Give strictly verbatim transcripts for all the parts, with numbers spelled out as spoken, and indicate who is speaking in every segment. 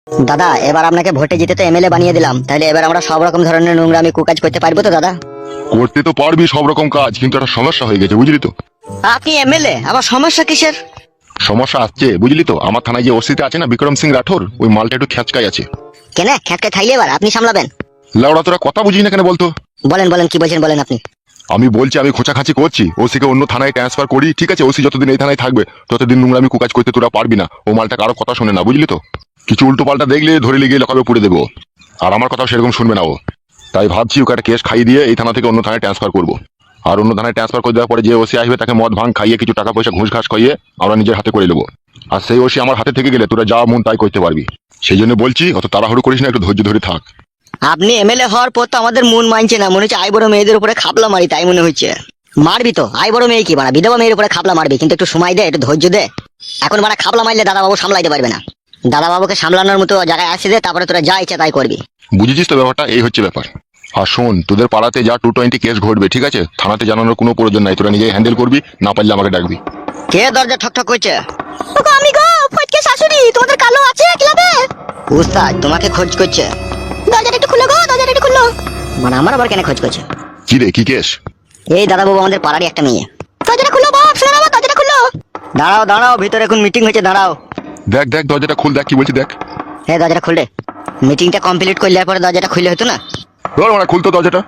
Speaker 1: দাদা এবার আপনাকে ভোটে জিতে তো এমএলএ বানিয়ে দিলাম, তাহলে এবার আমরা সব রকম ধরনের নোংরা আমি কুকাজ করতে পারবো তো দাদা?
Speaker 2: করতে তো পারবি সব রকম কাজ, কিন্তু একটা সমস্যা হয়ে গেছে বুঝলি তো।
Speaker 1: আপনি এমএলএ, আবার সমস্যা কিসের?
Speaker 2: সমস্যা আসছে বুঝলি তো, আমার থানায় যে ওসিতে আছে না বিক্রম সিং রাঠোর, ওই মালটা একটু খ্যাচকাই আছে।
Speaker 1: কেন খ্যাটকে থাইলে এবার আপনি সামলাবেন?
Speaker 2: লাউড়া তোরা কথা বুঝি না কেন বলতো?
Speaker 1: বলেন বলেন কি বলছেন বলেন আপনি।
Speaker 2: আমি বলছি আমি খোঁচাখাচি করছি, ওসিকে অন্য থানায় ট্রান্সফার করি, ঠিক আছে? ওসি যতদিন এই থানায় থাকবে ততদিন নোংরা আমি কুকাজ করতে তোরা পারবি না। ও মালটা কারো কথা শোনে না বুঝলি তো, কিছু উল্টো পাল্টা দেখলে ধরে লেগে লকাবে পুড়ে দেবো, আর আমার কথাও সেরকম শুনবে না ও। তাই ভাবছি ওকে একটা কেস খাইয়ে দিয়ে এই থানা থেকে অন্য থানায় ট্রান্সফার করবো। আর অন্য থানায় ট্রান্সফার করে দেওয়ার পরে যে ওসি আসবে তাকে মদ ভাঙ খাইয়ে কিছু টাকা পয়সা ঘুষ ঘাস খাইয়ে আমরা নিজের হাতে করে নেবো। আর সেই ওসি আমার হাতে থেকে গেলে তোরা যা মন তাই করতে পারবি। সেই জন্য বলছি অত তাড়াহুড়ো করিস না, একটু ধৈর্য ধরে থাক।
Speaker 1: আপনি এমএলএ হওয়ার পর তো আমাদের মন মানছে না, মনে হচ্ছে আই বড় মেয়েদের উপরে খাপলা মারি, তাই মনে হচ্ছে। মারবি তো, আই বড় মেয়ে কি বাড়া, বিধবা মেয়ের উপরে খাপলা মারবি, কিন্তু একটু সময় দে, একটু ধৈর্য দে। এখন বাড়া খাপলা মারলে দাদা বাবু সামলাইতে পারবে না। দাদা বাবুকে সামলানোর মতো জায়গায় আসে দে, তারপরে তোরা যা ইচ্ছা তাই করবি।
Speaker 2: বুঝেছিস তো ব্যাপারটা? এই হচ্ছে ব্যাপার। আর শোন, তোদের পাড়াতে যা টু টোয়েন্টি কেস ঘটবে, ঠিক আছে? থানাতে জানানোর কোনো প্রয়োজন নাই, তোরা নিজেই হ্যান্ডেল করবি, না পারলে আমাকে ডাকবি।
Speaker 1: কে দরজা ঠক ঠক করছে? আমি গো, ফটকে শাশুড়ি, তোমাদের কালো আছে ক্লাবে? উস্তাদ তোমাকে খোঁজ করছে। দরজাটা একটু খুলো গো, দরজাটা একটু খুলো। মানে আমার আবার কেন খোঁজ করছে?
Speaker 2: কি রে, কি কেস?
Speaker 1: এই দাদা বাবু আমাদের পাড়ারই একটা মেয়ে। দরজাটা খুলো বাপ, শোনো বাবা, দরজাটা খুলো। দাঁড়াও দাঁড়াও, ভিতরে এখন মিটিং হয়েছে, দাঁড়াও।
Speaker 2: দেখ দেখ দরজাটা খুল, দেখ কি বলছি দেখ।
Speaker 1: হ্যাঁ দরজাটা খুলে, মিটিংটা কমপ্লিট করলে পরে দরজাটা খুলে হতো না?
Speaker 2: ধর মানে খুলতো দরজাটা।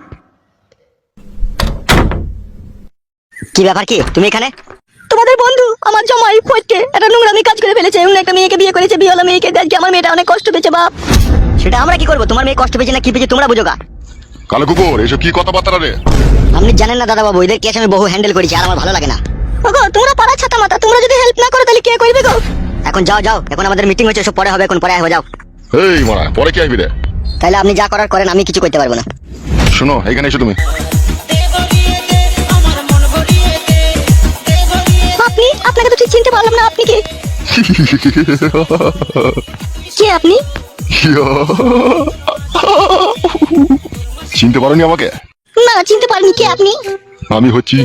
Speaker 1: কি ব্যাপার, কি তুমি এখানে? তোমাদের বন্ধু আমার জামাই ফটকে একটা নোংরামি কাজ করে ফেলেছে, অন্য একটা মেয়েকে বিয়ে করেছে, বিয়েওয়ালা মেয়েকে। দেখি আমার মেয়েটা অনেক কষ্ট পেয়েছে বাপ। সেটা আমরা কি করবো? তোমার মেয়ে কষ্ট পেয়েছে না কি পেয়েছে তোমরা বুঝো গা।
Speaker 2: কালো কুকুর, এসব কি কথাবার্তা রে?
Speaker 1: আপনি জানেন না দাদা বাবু, এদের কেস আমি বহু হ্যান্ডেল করেছি, আর আমার ভালো লাগে না। ওগো তোমরা পাড়া ছাতা মাতা, তোমরা যদি হেল্প না করো তাহলে কে করবে গো? এখন যাও যাও, এখন আমাদের মিটিং হচ্ছে, সব পরে হবে, এখন পরে আসবে, যাও।
Speaker 2: এই মারা, পরে কি আসবি রে?
Speaker 1: তাহলে আপনি যা করার করেন, আমি কিছু করতে পারবো না।
Speaker 2: শোনো, এখানে এসো তুমি।
Speaker 1: আপনি? আপনাকে তো ঠিক চিনতে পারলাম না, আপনি কে? কে আপনি?
Speaker 2: চিনতে পারোনি আমাকে?
Speaker 1: না চিনতে পারিনি, কে আপনি?
Speaker 2: আমি হচ্ছি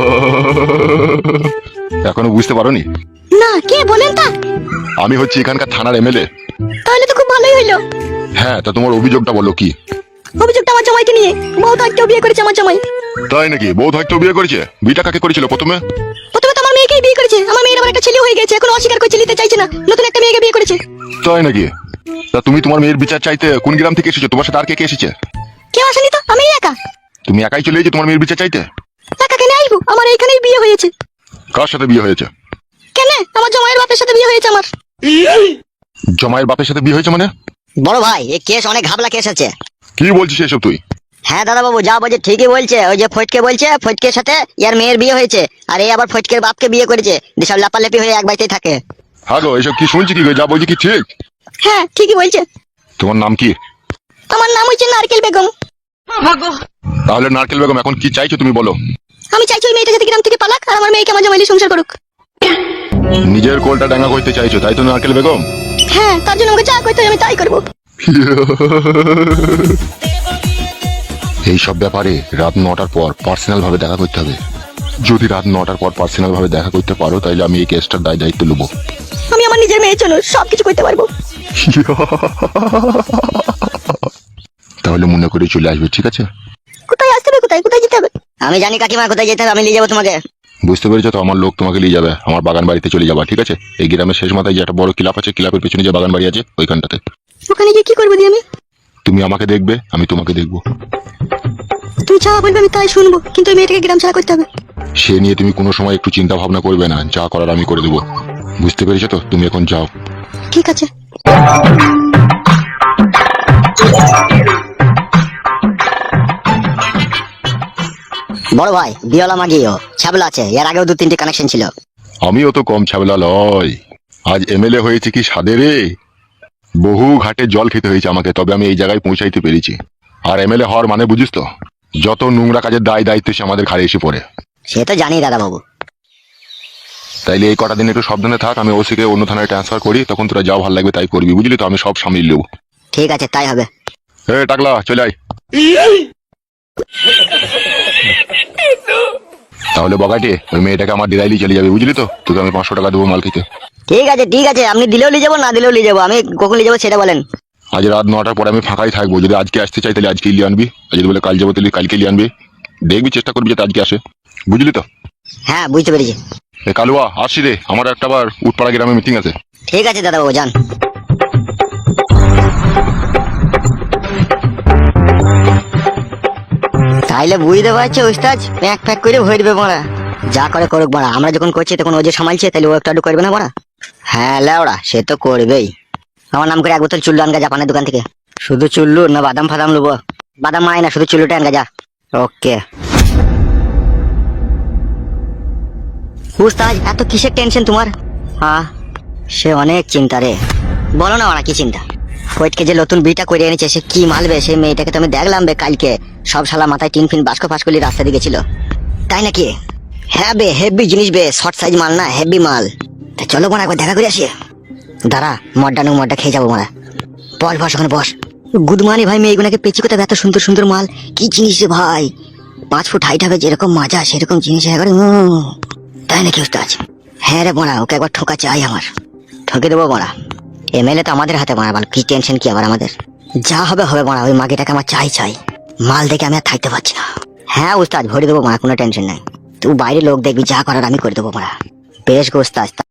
Speaker 2: এখনো বুঝতে পারোনি?
Speaker 1: না, কে বলেন তা?
Speaker 2: আমি হচ্ছি এখানকার থানার এমএলএ।
Speaker 1: তাহলে তো খুব ভালোই হইলো।
Speaker 2: হ্যাঁ, তা তোমার অভিযোগটা বলো কি?
Speaker 1: অভিযোগটা আমার জামাইকে নিয়ে। বউ তো একটা বিয়ে করেছে আমার জামাই।
Speaker 2: তাই নাকি? বউ হয়তো বিয়ে করেছে? বিয়েটা কাকে করেছিল প্রথমে?
Speaker 1: প্রথমে তো আমার মেয়েকেই বিয়ে করেছে। আমার মেয়ের আবার একটা ছেলে হয়ে গেছে, এখন অস্বীকার করছে, নিতে চাইছে না, নতুন একটা মেয়েকে বিয়ে করেছে।
Speaker 2: তাই নাকি? তা তুমি তোমার মেয়ের বিচার চাইতে কোন গ্রাম থেকে এসেছো? তোমার সাথে আর কে কে এসেছে?
Speaker 1: কেউ আসেনি তো, আমি একা।
Speaker 2: তুমি একাই চলে এসেছো তোমার মেয়ের বিচার চাইতে?
Speaker 1: একা কেন আইবো? আমার এইখানেই বিয়ে হয়েছে।
Speaker 2: কার সাথে বিয়ে হয়েছে?
Speaker 1: কেন? আমার জামাইয়ের বাপের সাথে বিয়ে হয়েছে আমার।
Speaker 2: জমায়ের বাপের সাথে বিয়ে হয়েছে মানে?
Speaker 1: বড় ভাই, এই কেস অনেক ঘাবলা কেস আছে।
Speaker 2: কি বলছিস এসব তুই?
Speaker 1: হ্যাঁ দাদা বাবু, যা বলছে ঠিকই বলছে। ওই যে ফটকে বলছে ফটকের সাথে ইয়ার মেয়ের বিয়ে হয়েছে, আর এই আবার ফটকের বাপকে বিয়ে করেছে, যেসব লাপালাপি হয়ে এক বাড়িতেই থাকে।
Speaker 2: হ্যাঁ গো, এসব কি শুনছি? কি গো, যা বলছি কি ঠিক?
Speaker 1: হ্যাঁ ঠিকই বলছে।
Speaker 2: তোমার নাম কি?
Speaker 1: আমার নাম হচ্ছে নারকেল বেগম।
Speaker 2: তাহলে নারকেল বেগম, এখন কি চাইছো তুমি বলো?
Speaker 1: আমি চাইছি ওই মেয়েটা যাতে গ্রাম থেকে পালাক, আর আমার মেয়েকে আমার জামাইলি সংসার করুক।
Speaker 2: নিজের কোলটা ডাঙ্গা করতে চাইছো তাই তো নারকেল বেগম?
Speaker 1: হ্যাঁ, তার জন্য আমাকে যা করতে হয় আমি তাই করবো।
Speaker 2: এই সব ব্যাপারে রাত নটার পর পার্সোনাল ভাবে দেখা করতে হবে। যদি রাত নটার পর পার্সোনাল ভাবে দেখা করতে পারো তাহলে আমি এই কেসটার দায় দায়িত্ব নেবো।
Speaker 1: আমি আমার নিজের মেয়ের জন্য সবকিছু করতে পারবো।
Speaker 2: তাহলে মনে করে চলে আসবে, ঠিক আছে?
Speaker 1: কোথায় আসতে হবে, কোথায় কোথায় যেতে হবে? আমি জানি কাকিমা কোথায় যেতে হবে, আমি নিয়ে যাবো তোমাকে।
Speaker 2: বুঝতে পেরেছো তো? আমার লোক তোমাকে নিয়ে যাবে, আমার বাগান বাড়িতে চলে যাবা, ঠিক আছে? এই গ্রামের শেষ মাথায় যে একটা বড় ক্লাব আছে, ক্লাবের পেছনে যে বাগান বাড়ি আছে ওইখানটাতে।
Speaker 1: ওখানে গিয়ে কি করবো দিয়ে আমি?
Speaker 2: তুমি আমাকে দেখবে, আমি তোমাকে দেখবো।
Speaker 1: তুমি যা বলবে আমি তাই শুনবো, কিন্তু ওই মেয়েটাকে গ্রাম ছাড়া করতে হবে।
Speaker 2: সে নিয়ে তুমি কোনো সময় একটু চিন্তা ভাবনা করবে না, যা করার আমি করে দেবো। বুঝতে পেরেছো তো? তুমি এখন যাও।
Speaker 1: ঠিক আছে। বড় ভাই, বিয়লা মাগিও ছাবলা আছে, এর আগেও দু তিনটে কানেকশন ছিল।
Speaker 2: আমিও তো কম ছাবলা লয়। আজ এমএলএ হয়েছে কি সাদে রে! বহু ঘাটে জল খেতে হয়েছে আমাকে, তবে আমি এই জায়গায় পৌঁছাইতে পেরেছি। আর এমএলএ হওয়ার মানে বুঝিস তো, যত নোংরা কাজের দায় দায়িত্ব সে আমাদের ঘাড়ে এসে পড়ে।
Speaker 1: সে তো জানি দাদা বাবু।
Speaker 2: তাইলে এই কটা দিন একটু সাবধানে থাক, আমি ওসিকে অন্য থানায় ট্রান্সফার করি, তখন তোরা যাও ভালো লাগবে তাই করবি, বুঝলি তো? আমি সব সামলিয়ে নেবো।
Speaker 1: ঠিক আছে, তাই হবে।
Speaker 2: এ টাকলা, চলে আয়। তাহলে বগাটে, ওই মেয়েটাকে আমার ডিরাইলি চলে যাবে, বুঝলি তো? তোকে আমি পাঁচশো টাকা দেবো মাল খেতে।
Speaker 1: ঠিক আছে ঠিক আছে, আপনি দিলেও নিয়ে যাবো না দিলেও নিয়ে যাবো, আমি কখন নিয়ে যাবো সেটা বলেন।
Speaker 2: আজ রাত নটার পরে আমি ফাঁকাই থাকবো, যদি আজকে আসতে চাই তাহলে আজকে নিয়ে আনবি, আর যদি বলে কাল যাবো তাহলে কালকে নিয়ে আনবি। দেখবি, চেষ্টা করবি যাতে আজকে আসে, বুঝলি তো?
Speaker 1: হ্যাঁ বুঝতে পেরেছি।
Speaker 2: এ কালুয়া আসি রে, আমার একটা আবার উৎপাড়া গ্রামে মিটিং আছে।
Speaker 1: ঠিক আছে দাদা বাবু যান। তাইলে বুঝতে পারছো ওস্তাদ, প্যাক প্যাক করে ভরে দেবে মারা। যা করে করুক মারা, আমরা যখন করছি তখন ও যে সামালছে, তাহলে ও একটু আধটু করবে না মারা? হ্যাঁ লেওড়া, সে তো করবেই। আমার নাম করে এক বোতল চুল্লু আনগা জাপানের দোকান থেকে। শুধু চুল্লু না বাদাম ফাদাম নেবো? বাদাম মাই না, শুধু চুল্লুটা আনগা যা। ওকে উস্তাদ, এত কিসের টেনশন তোমার? হ্যাঁ সে অনেক চিন্তা রে। বলো না মারা কি চিন্তা? ফৈটকে যে নতুন বিটা করে এনেছে, সে কি মালবে সেই মেয়েটাকে তো আমি দেখলাম বে কালকে, সব শালা মাথায় টিন ফিন বাস্ক ফাঁস করলি রাস্তা দিকে ছিল। তাই নাকি? হ্যাঁ বে, হেভি জিনিস বে, শর্ট সাইজ মাল না, হেভি মাল। তা চলো মারা একবার দেখা করে আসি। দাঁড়া, মডটা নু মডটা খেয়ে যাবো মারা। বস বস ওখানে বস। গুদমানি ভাই, মেয়েগুনাকে পেঁচি কোথায়, এত সুন্দর সুন্দর মাল, কি জিনিস রে ভাই। পাঁচ ফুট হাইট হবে, যেরকম মাজা সেরকম জিনিস একবারে। উম, তাই নাকি উস্তাদ? হ্যাঁ রে মারা, ওকে একবার ঠোকা চাই আমার। ঠকে দেবো মারা, এমএলএ তো আমাদের হাতে মারা, বল কি টেনশন কি আবার আমাদের? যা হবে হবে মারা, ওই মাগিটাকে আমার চাই চাই। মাল দেখে আমি আর থাকতে পারছি না। হ্যাঁ উস্তাদ ভরে দেবো মারা, কোনো টেনশন নাই। তুই বাইরে লোক দেখবি, যা করার আমি করে দেবো মারা। বেশ গো উস্তাদ।